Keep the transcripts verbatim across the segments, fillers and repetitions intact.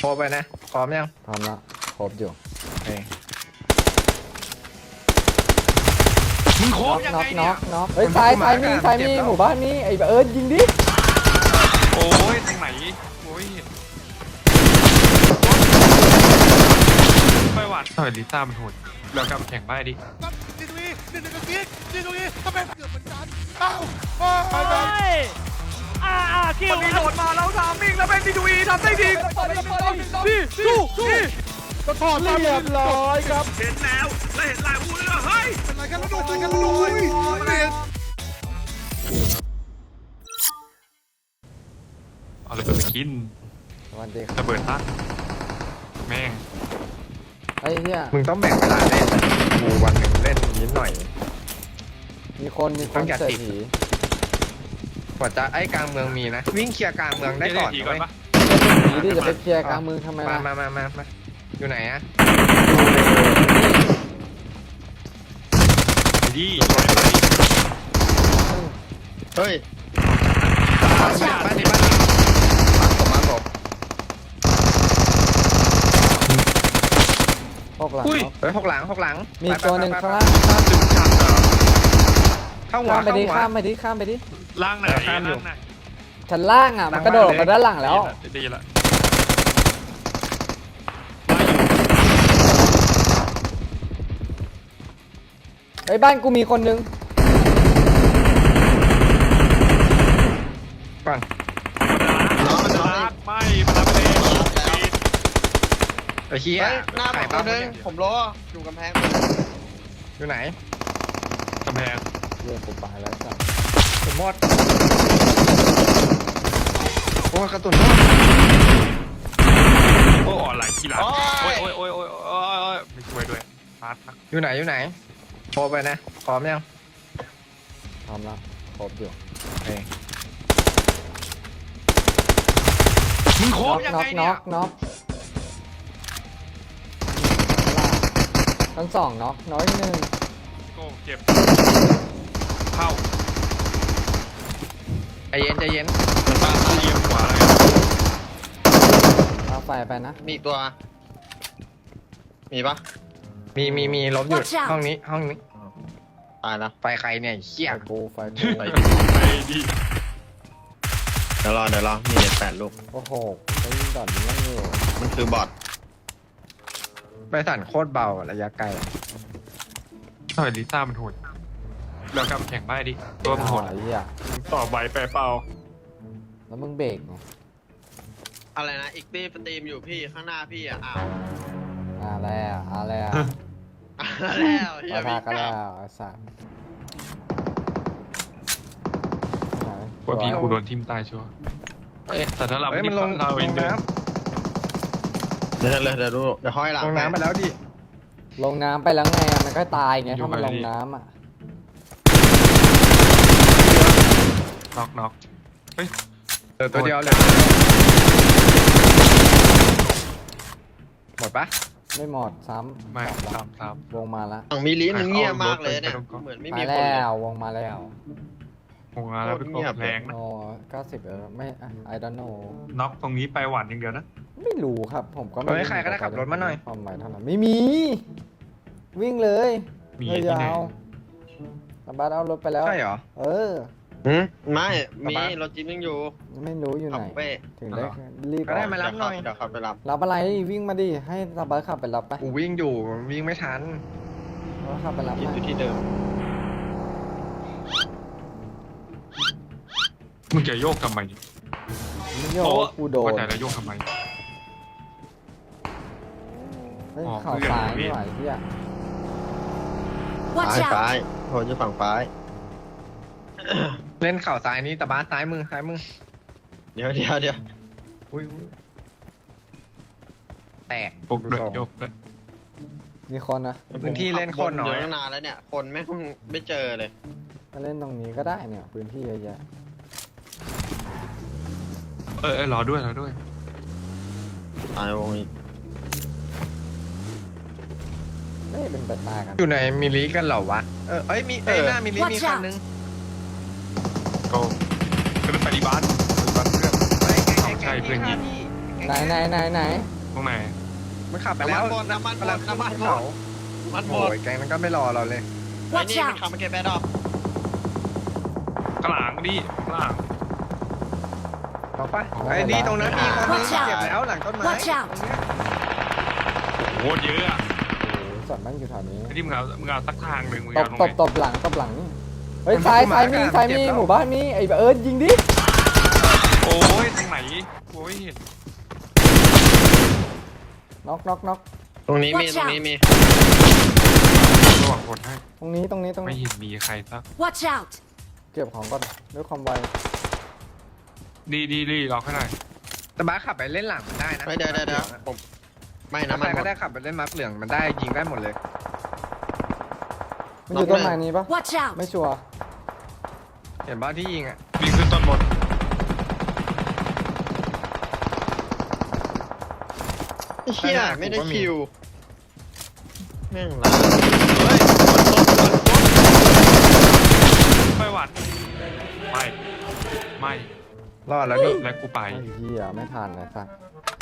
โทรไปนะพร้อมยังพร้อมแล้วครบอยู่เฮ้ยมึงโคบยังน็อไงกน็เนี่อย กน็อกเฮ้ยซ้ายซ้ายมีซ้ายมีหมู่บ้านนี้ไอ้เอิร์ธยิงดิโอ้ยตรงไหนโอ้ยไปหวัดทำไมลิซ่ามันโหดแล้วกลับแข่งบ้าดินี่ตรงนี้นี่ตรงนี้นี่ตรงนี้ทำไมเกือบเหมือนกันอ้าวไปไปอ่าอ่าคิวมันมีโหลดมาแล้วทามมิ่งแล้วเป็นดีดูอีทำได้ดีพี่สู้สู้ก็ถอดเรียบร้อยครับเห็นแล้วแล้วเห็นลายพูดแล้วเฮ้ยเป็นไรกันแล้วโดนอะไรกันแล้วโดนเรียนเอาเลยไปกินวันดีครับระเบิดตั้งแม่งไอ้เหี้ยมึงต้องแบ่งเวลาเล่นกูวันหนึ่งเล่นนิดหน่อยมีคนมีคนเสียผีกว่าจะไอ้กลางเมืองมีนะวิ่งเคลียร์กลางเมืองได้ก่อนทีนะก่อนเว้ยปะผีดิจะไปเคลียร์กลางเมืองทำไมมาล่ะมามามามาอยู่ไหนอะดีเฮ้ยบ้านนี้บ้านนี้บ้านนี้ผมมาผมพวกหลังอุ้ยน็อกเฮ้ยหกหลังหกหลังมีตัวหนึ่งข้างล่างตึงจัดเหรอเข้าหัวข้ามไปเข้าดิหัวข้ามไปดิข้ามไปดิล่างไหนเออข้ามอยู่ล่างไหนชั้นล่างอ่ะมันกระโดดออกมาด้านหลังแล้วดีละไอ้ยบ้านกูมีคนนึงก่อนน้องมันน้องรับไม่มารับเลยไอ้เหี้ยเฮ้ยหน้าผมไข่ตัปั๊วบนึงผมรออยู่กำแพงอยู่ไหนกำแพงเรื่องกูไปแล้วจ้ะผมหมดโอ้ยกระตุนหมดโอ้อ่อนไหลกี่หลังโอ้ยโอ้ยโอ้ยโอ้ยโอ้ยไม่ช่วยด้วยฟาดทักอยู่ไหนอยู่ไหนโทรไปนะพร้อมยังพร้อมแล้วครบอยู่เฮ้ยมึงโคน็อบ กยังน็อไงกน็เนี่อย กน็อกทั้งสองน็อกน้อยหนึ่งโก้เจ็บเข้าใจเย็นใจเย็นมันมาเลี้ยงขวาเลยเอาไฟไปนะมีอีกตัว มีปะมีมีมีลบอยู่ห้องนี้ห้องนี้ตายแล้วไฟใครเนี่ยเหี้ยไฟกูไฟกูไปดีเดี๋ยวรอเดี๋ยวรอมีแปดลูกโอ้โหไอ้ยิงดอดยิงนั่งอยู่มันคือบอทไปสั่นโคตรเบาระยะไกลทำไมลิซ่ามันโหดแล้วกลับแข่งบ้าดิตัวมันโหดไอ้เหี้ยต่อใบแปรเปล่าแล้วมึงเบรกไงอะไรนะ อีกตีสตรีมอยู่พี่ข้างหน้าพี่อ่ะ อ้าวอ่าแล้วอ่าแล้วอ้าวแล้วเฮีปะยทะพี่กันแล้วไอ้สัสว่าพี่กูโดนทิมตายชัวร์เอ๊ะแต่ถ้าเราเฮ้ยไม่มันลงเราลเองงเดินน้เดี๋ยวเดี๋ยวเดี๋ยวดูเดี๋ยวห้อยหลัำงลงน้ำไปแล้วดิลงน้ำไปแล้วไงอะมันก็ตายไงถ้ามันลงน้ำอ่ะน็อกน็อกเฮ้ยเหลือตัวเดียวเลยหมดปะไม่หมดซ้ำไม่กลับตามตามวงมาละฝั่งมิลิมันเงียบมากเลยเนี่ยเอารถไปเหมือนไม่มามีคนแล้เลยววงมาแล้วโอ้แล้วพี่โก้แรงนะโอ้เก้าสิบเออไม่ I don't know น็อกตรงนี้ไปหวานอย่างเดียวนะไม่รู้ครับผมก็ไม่เฮ้ยใครก็ได้ขับรถมาหน่อยความหมายเท่านั้นไม่มี วิ่งเลยมีเลยที่ไหนยาวตาบัสเอารถไปแล้วใช่เหรอเออหืมไม่มีกลับบ้านรถจิ๊บยังอยู่ไม่รู้อยู่ขัไหบนเป้ถึงได้รีบก็ได้ออกมารับหน่อยเดี๋ยวขับไปรับรับอะไรวิ่งมาดิให้ตาบัสขับไปรับไปกูวิ่งอยู่วิ่งไม่ทันแล้วขับไปรับคิดไปอยู่ที่เดิมมึงจะโยกทำไมไม่โยกกูโดนว่าแต่จะโยกทำไมเฮ้ยอ๋อเข่าซ้ายไม่ไหวเฮียซ้ายซ้ายโหจะฝั่งซ้ายเล่นเข่าซ้ายนี้แต่บ้าสซ้ายมือซ้ายมือเดี๋ยวเดี๋ยวเดี๋ยวอุ้ยอุ้ยแตกปลุกเลยโยกเลยมีคนนะพื้นที่เล่นคนน้อยเดี๋ยวตั้งนานแล้วเนี่ย คนไม่ไม่เจอเลยมาเล่นตรงนี้ก็ได้เนี่ยพื้นที่เยอะแยะเออเออรอด้วยรอด้วยตายวงอีกไม่เป็นไปตายกันอยู่ในมิลลิกันเหรอวะเออเอ้ยมีเอ้ยหน้ามิลลิมีคันนึงโก้ขึ้นไปที่บ้านบ้านเพื่อนเฮ้ยไงไงใช่ไงเพื่อนยิงพี่ไหนไหนไหนไหนตรงไหนมันขับไปแล้วน้ำมันหมดน้ำมันหมดน้ำมันหมเขาดมันหมโอ้ดยแกงนั้นก็ไม่รอเราเลยไอ้นี่มันขับมาเก็บแบดดอกกลางดิกลางเอาปะไอ้นี่ตรงนั้นมีคนนึงเจ็บแล้วหลังต้นไม้ Watch out ตรงเนี้ยโอ้โหเยอะอะส่วนมันอยู่แถวนี้ไอ้ที่มึงเอามึงเอาสักทางหนึ่งมึงตเอาบตรงตไหนบตบหลังตบหลังนี่เฮ้ยซ้ายซ้ายมีซ้ายมีหมู่บ้านมีไอ้เอิร์ธยิงดิโอ้ยตรงไหนโอ้ยเห็นน็อกน็อกน็อกตรงนี้มี Watch ตรงนี้มีระหว่างคนให้ตรงนี้ตรงนี้ตรงไม่นี้เห็นมีใครสัก Watch out! เก็บของก่อนด้วยความไวดีดีดีล็อกให้หน่อยแต่บ้าสขับไปเล่นหลังมันได้นะเฮ้ยเดี๋ยวเดี๋ยวเดี๋ยวผมไม่ถ้าน้ำใคมันรหมก็ดได้ขับไปเล่นมาร์คเหลืองมันได้ยิงได้หมดเลยมันอยู่ต้นไม้นี้ปะ Watch out! ไม่ชัวร์เห็นบ้าที่ยิงอ่ะวิ่งขึ้นต้นบนไอ้เหี้ยไม่ได้คิวแม่งละเฮ้ยไม่หวัดไม่ไม่รอดแล้วนี่แล้วกูไปไอ้เหี้ยไม่ทันเลยสัก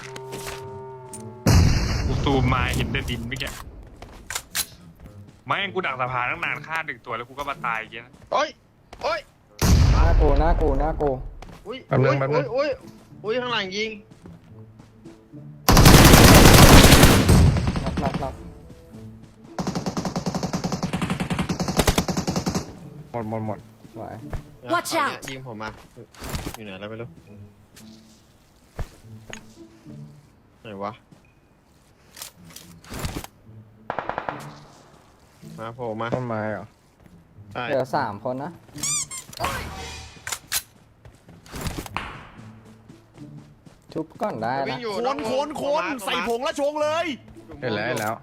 กูซูมมาเห็นแต่ดินเมื่อกี้ไม่งั้นกูดักสะพานตั้งนานฆ่าหนึ่งตัวแล้วกูก็มาตายอย่างเงี้ยนะโอ้ยโอ้ยหน้ากูหน้ากูหน้ากูอุ้ยอุ้ยอุ้ยอุ้ยอุ้ยข้างหลังยิงน็อกน็อกน็อกหมดหมดหมดสวย Watch out ยิงผมมาอยู่ไหนแล้วไม่รู้ไหนวะมาโผล่มาต้นไม้เหรอใช่เหลือสามคนนะชุบก่อนได้วิ่นะงอยู่คนคนคนใส่ผงและชงเลยเห็นแล้วเห็นแล้ว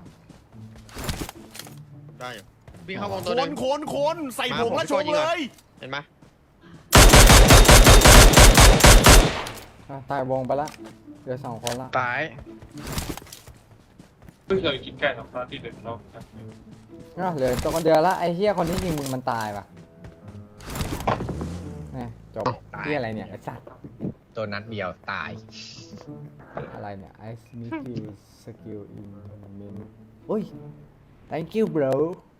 ได้อยู่วิ่งเข้าวงคตัวหนึนงคนคนใส่ผงและชงเลยเห็นไหมอ่ะตายวงไปละเหลือสองคนละตายเพิ่งเคยกินไก่สองตอนที่เด็ดเราอ่ะเหลือตัวคนเดียวละไอ้เหี้ยคนที่ยิงมึงมันตายว่ะนี่จบเหี้ยอะไรเนี่ยไอ้สัตว์ตัวนัดเดียวตายอะไรเนี่ย I sneak you skill in min อุ้ย thank you bro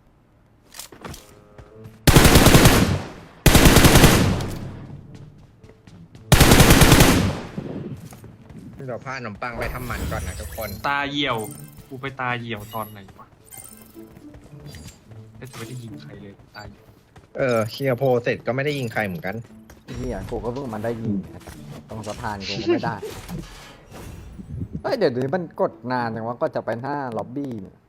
เดี๋ยวพาขนมปังไปทำหมันก่อนนะทุกคนตาเหี่ยวกูไปตาเหี่ยวตอนไหนวะแต่จะไม่ได้ยิงใครเลยตาเหี่ยวเออเคลียร์โพลเสร็จก็ไม่ได้ยิงใครเหมือนกันเหี้ยกูก็เพิ่งมันได้ยิงตรงสะพานกูก็ไม่ได้ เฮ้ยเดี๋ยวนี้มันกดนานจังวะก็จะไปหน้าล็อบบี้เนี่ย